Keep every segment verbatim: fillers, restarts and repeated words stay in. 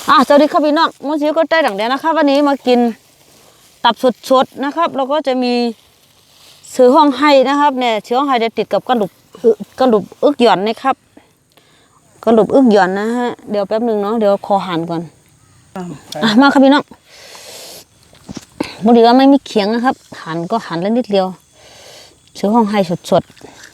อ่ะสวัสดีครับพี่น้องมดซิวก็ได้ดั่งเดียวนะครับวันนี้มากินตับสดๆนะครับแล้วก็จะมีเสือห้องไห้นะครับเนี่ยเสือห้องไห้จะติดกับกระดูกกระดูกอึกหย่อนนะครับกระดูกอึกหย่อนนะฮะเดี๋ยวแป๊บนึงเนาะเดี๋ยวคอหันก่อนอ่ะมาครับพี่น้องบริวารไม่มีเขียงนะครับหันก็หันแล้วนิดเดียวเสือห้องไห้สด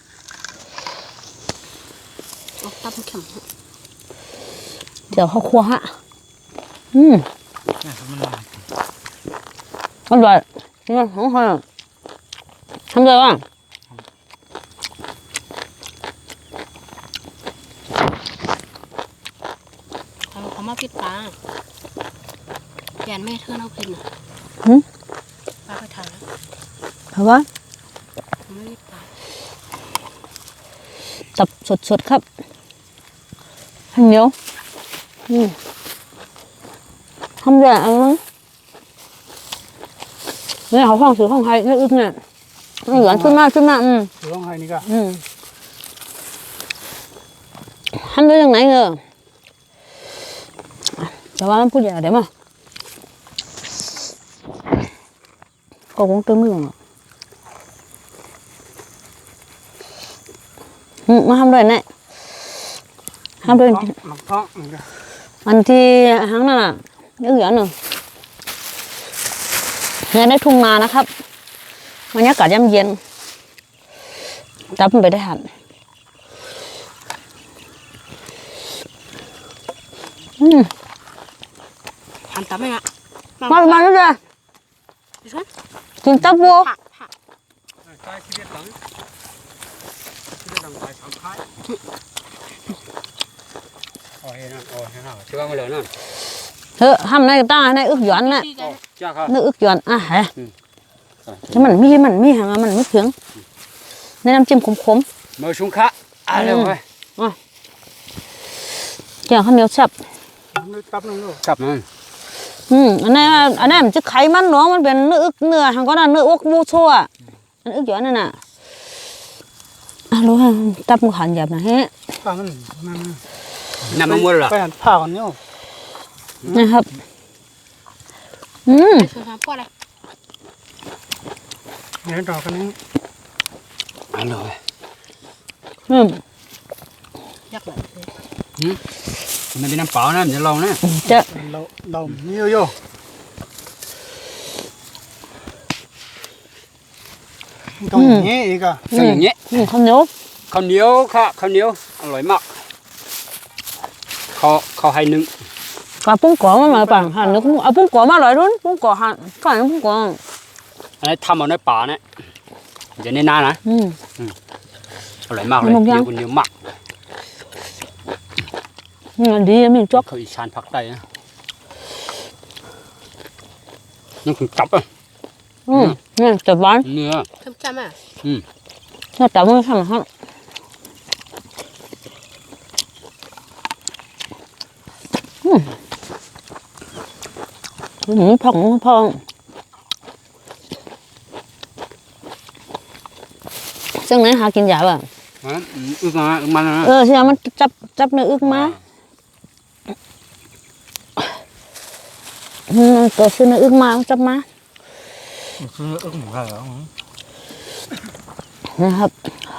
ๆตับแข็งเดี๋ยวเข้าครัวฮะอืมอร่อยนี่ของใครทำเลยว่ะเขาเขามาปิดปลาแกนแม่เธอเอากินอ่ะปลาไปทานแล้วเพราะว่าไม่ปิดปลาตับสดๆครับเหนียวอืมทำเลยอันนั้นนี่เขาห้องสือห้องไทยนี่อึ้งเนี่ยเหลือขึ้นมาขึ้นมาอืมสือห้องไทยนี่ก็อืมทำได้ยังไงเนอะแต่ว่ามันพูดอย่างเดี๋ยวมาก็คงเติมมือหรอกอืมมาทำด้วยเนี่ยทำด้วยหมักท้องนี่ก็อันที่ทั้งนั้นอ่ะเยอะๆหนึ่งเนี่ยได้ทุ่งนานะครับบรรยากาศย่ำเย็นจับมันไปได้หันอืมหันตับไหมอ่ะมามาแล้วจ้ะกินตับวัวใช่ชีวิตหลังชีวิตหลังตายสามครั้งโอ้ยนั่นโอ้ยนั่นช่วยมาเลยนั่นเฮ้ยทำในตาในอึกหย่อนน่ะนึกอึกหย่อนอ่ะฮะที่มันมีมันมีหางมันไม่เพียงในน้ำจิ้มขมๆมือชุงคะอะไรวะอ่ะแกงข้าวเหนียวแซ่บจับนั่นลูกจับนั่นอืมอันนี้อันนี้มันจะไขมันเนาะมันเป็นเนื้ออึกเนื้อทางก็น่ะเนื้ออกมูชั่วอันอึกหย่อนนั่นน่ะอ่ะรู้ฮะตับมันขันหยาบนะฮะผ้ามันมันน้ำมันม้วนหรอไปหันผ้ากันเนี่ยนะครับอืมคือทำพวกอะไรเดี๋ยวดอกกันนี้อร่อยอืมยักษ์เลยอืมมันเป็นน้ำเปล่านะจะลองนะจะเราเรานี่โย่ตรงนี้อีกอ่ะตรงอย่างนี้ข้าวเหนียวข้าวเหนียวค่ะข้าวเหนียวอร่อยมากเขาเขาให้นึ่งกาปุ้งกอมาหน่อยป่ะหั่นนึกเอาปุ้งกอมาหน่อยรุ่นปุ้งกอหั่นก่อนปุ้งกออันนี้ทำเอาในป่าเนี่ยจะในนานะอืมอร่อยมากเลยเดี๋ยวคนเดียวมากนี่ดีมีจ๊อกเขาอีชานผักได้นะนี่คือจับอ่ะอืมนี่จับบ้านเนื้อเพิ่มจำอ่ะอืมนี่จับมันทำครับอืมอืมพองพองซึ่งไหนหากินยาบ่ะอึกมาอึกมาเออใช่ไหมมันจับจับเนื้ออึกมาอืมตัวซื้อเนื้ออึกมาจับมาซื้ออึกหมูเหรอนะครับ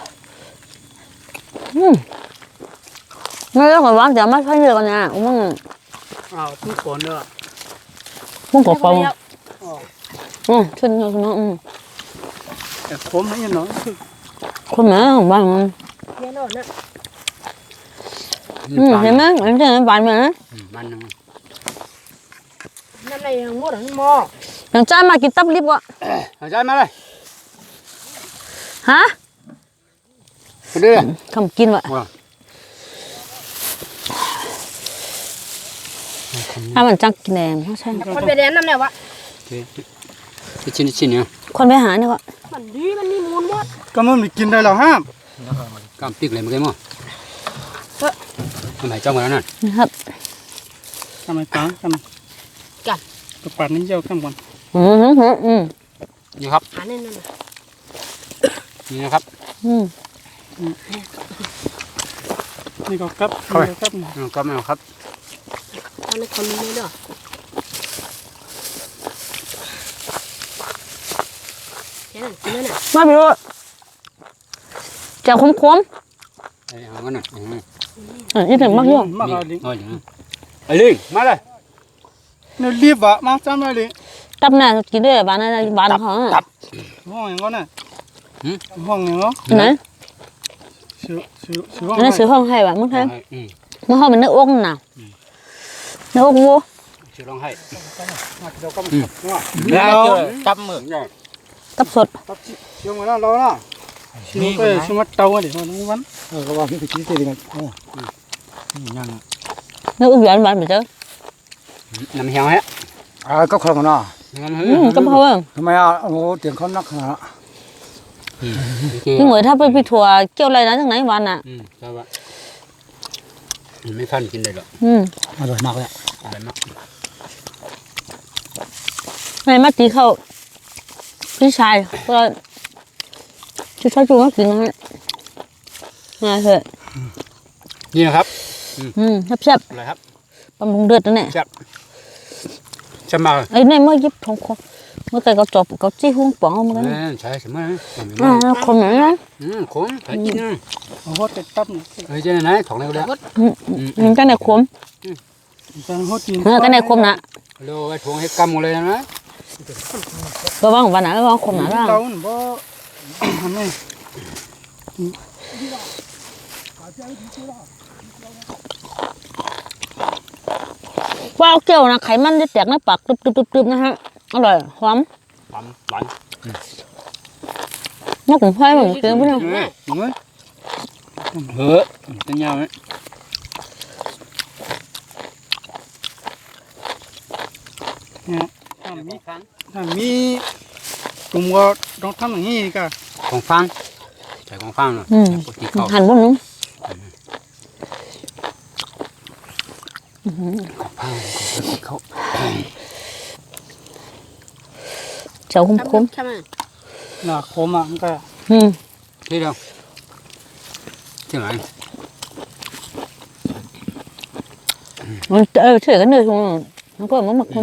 อืมไม่ต้องกดวางเดี๋ยวมาใช้เยอะกันนะอุ้งอ้าวพุ่งโขนด้วยพุ่งกดปองอืมขึ้นเนาะเนาะอืมแต่ขมไม่ยังน้อยคนแม่ของบ้านมันเยอะหน่อยนะอืมเห็นไหมเห็นไหมบ้านมันนะมันนึงนั่นอะไรยังหมดหม้ออย่างจ้ามากินตับลิบวะอย่างจ้ามาเลยฮะไปด้วยทำกินวะถ้ามันจังกินแหนมใช่คนไปเรียนน้ำเนี่ยวะชิ้นชิ้นเนี่ยคนไปหาเนี่ยวะมันดีมันนี่มูลหมดก็มันไม่กินได้หรอกฮะกำปิกเลยมั้งมั้งทำไมจ้องมาแล้วนั่นนะครับทำไมป้าทำกันกระปัดนี้เจ้าข้ามวันอืมอืมอืมนี่ครับอันนี้นั่นนี่นะครับอืมนี่ก็ครับครับครับไม่เอาครับเอาในคนนี้เด้อแค่นั้นกินแล้วน่ะมาพี่รู้จะคมคมไอ้เอากันน่ะอืมๆอ่ะนี่ถึงมากยุ่ง mắc là đi เอาอย่างนั้นไอ้ลิงมาเลย nó liếp vợ mang chăm lại đi ตับหน้ากินด้วยบ้านนั้นบ้านเขาอ่ะ hoang này con này hoang này nó ไหน sửa sửa sửa อันนั้นซื้อห้องให้บ้านมึงเอาให้ให้อืมมึงห้องเป็นเนื้ออ้วกน่ะเนื้ออ้วกวัวชื่อร้องให้ đâu có Ừ. đúng không แล้ว đâu จับมือเนี่ยตับสด tao chỉ chiều mà nó lâu đó chiều cái chiều mắt trâu để nó nó bắn ờ các bạn cái chỉ thì này nhang เนื้ออ้วกหวานบ้านไปเจอน้ำเหี่ยวฮะ à có không nó งั้นเฮ้อืมก็เพราะว่าทำไมอ่ะโอ้tiền con nắc hả พี่เหมยถ้าไปพี่ถั่วเกี่ยวอะไรนะทั้งไหนวันอ่ะอืมใช่ปะไม่ฟันกินได้หรอกอืมอร่อยมากเลยอะไรมากในมาตีเข้าพี่ชายก็ชุดชายจูก็กินนะฮะง่ายเถอะนี่นะครับอืมแซ่บอะไรครับๆบำรุงเดือดนั่นแหละจับจับมาไอ้นี่เมื่อยิบทองคำเมื่อไก่เขาจบเขาจี้หุ้งป๋องเอามากันเออใช่ใช่ไหมอ่าคนไหนนะอืมขมใส่กินนะ hốt cái tắp เฮ้ยเจ้าไหนของเราแล้วอืมอืมกันไหนขม đang hốt tiền เออกันไหนขมนะเร็วไอ้ทวงให้กำหมดเลยนะระวังวันไหนระวังขมนะล่ะ đâu nó bó này ว่าเอาเกี่ยวนะไขมันจะแตกในปากตึบๆๆๆนะฮะอร่อยหอมหวานหวานนกของไผ่ผมกินไปแล้ว đúng rồi เฮ้อเป็นยังไง nè làm mi làm mi cùng có trong thăm là gì cả ของฟังใส่ของฟังหน่อยอืมปกติเขาหั่นบนนู้นของฟังปกติเขาเจ้าคมใช่ไหม là khô mà cái ๆอืมที่เดียวที่ไหนมันเออเฉยกันเลยทุกคนมันก็มันหมักขม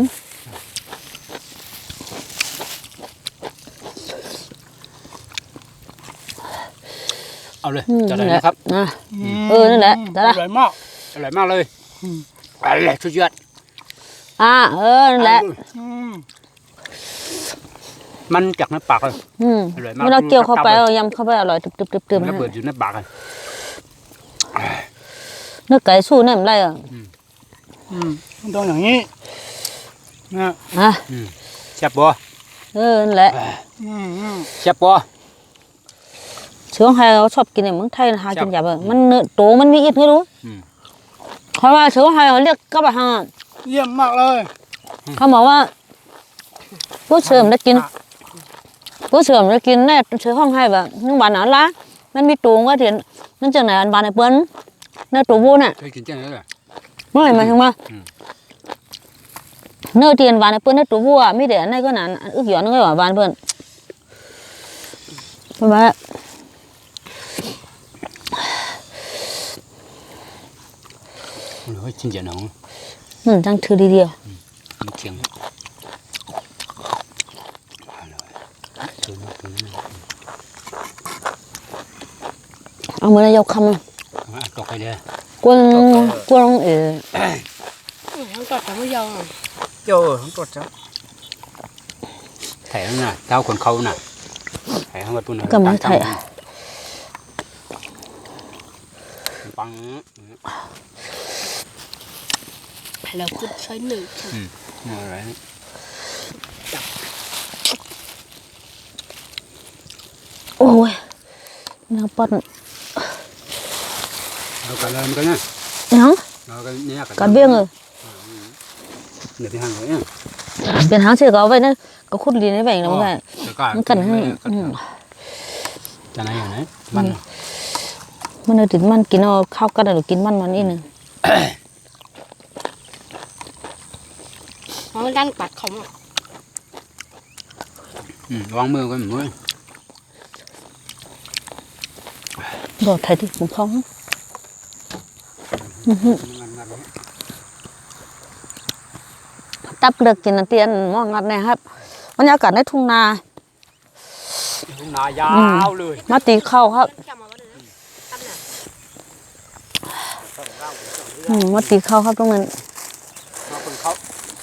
เอาเลยอืมจะได้นั่นแหละนะครับนะ เออนั่นแหละได้ละอร่อยมากอร่อยมากเลยอร่อยสุดยอดอ่าเออนั่นแหละอืมมันจากในปากเลยอืมอร่อยมากเวลาเกี่ยวเข้าไปเอายำเข้าไปอร่อยตึบๆๆๆมันนะระเบิดอยู่ในปากเลยเนื้อไก่สู้เนี่ยมันไรอ่ะอืมมันต้องอย่างนี้นะอ่ะแซ่บบ่เออนั่นแหละอืมอืมแซ่บบ่เชื้อไทยเขาชอบกินเนี่ยเมืองไทยหากินยากเลยมันเนื้อโตมันมีอิดไม่รู้เขาว่าเชื้อไทยเขาเรียกกระบะฮาเยี่ยมมากเลยเขาบอกว่าผู้เสริมได้กินผู้เสริมได้กินแน่เชื้อห้องให้แบบนึกว่าหนาละมันมีตูงว่าเถียนนั่นจากไหนอันบานไอ้เปิ้ลเนื้อตัววูน่ะเคยกินจังเลยเหรอเมื่อไหร่มาถึงว่าเนื้อเตียนบานไอ้เปิ้ลเนื้อตัววูอ่ะไม่เดี๋ยวอันไหนก็หนานอึกหย่อนนึกว่าบานเปิ้ลทำไมเฮ้ยจริงจังน้องอืมจังถือดีเดียวมันเชียงอร่อยเอามือนายกคำอ่ะตกไปเลยกวนกวนเออทั้งกอดทั้งไม่ยอมเจ้าของกดจ้ะแถวน่ะเจ้าคนเขาน่ะแถวมาปุ่นก็ไม่ไทยอ่ะปังแล้วคุณใช้หนึ่งอะไรโอ้ยน้ำปั่นเรากันเลยมันก็เนี่ยยังเรากันเนี่ยกระเบี้ยงเออเดี๋ยวที่ห่างเลยเนี่ยเป็นหางเสือก็เอาไว้นั่นก็ขุดดินในแบ่งแล้วมันก็มันกันให้อืมจะไหนอยู่ไหนมันมันเอาถึงมันกินเอาข้าวกันหรือกินมันมันนี่นึงเพราะมันดันปัดเขาอ่ะวางมือกันมือบอกไทยที่ผมคล้องจับเลือกกินอันเตียนมองงัดเนะครับบรรยากาศในทุ่งนาทุ่งนายาวเลยมาตีเข้าครับอืมมาตีเข้าครับตรงนั้นมาคนเขา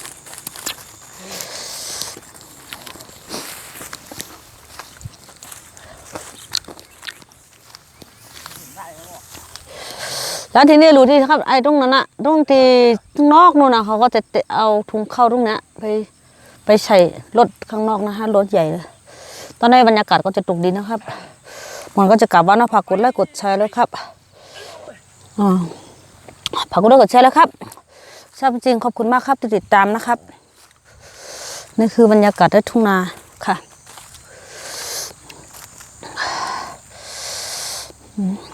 แล้วทีนี้รู้ที่ครับไอ้ตรงนั้นอะตรงที่ข้างนอกนู่นนะเขาก็จะเอาถุงเข้าตรงเนี้ยไปไปใส่รถข้างนอกนะฮะรถใหญ่เลยตอนนี้บรรยากาศก็จะตกดินนะครับมันก็จะกลับบ้านนะฝากกดไลค์กดแชร์เลยครับอ่าฝากกดไลค์กดแชร์เลยครับชอบจริงขอบคุณมากครับที่ติดตามนะครับนี่คือบรรยากาศในทุ่งนาค่ะ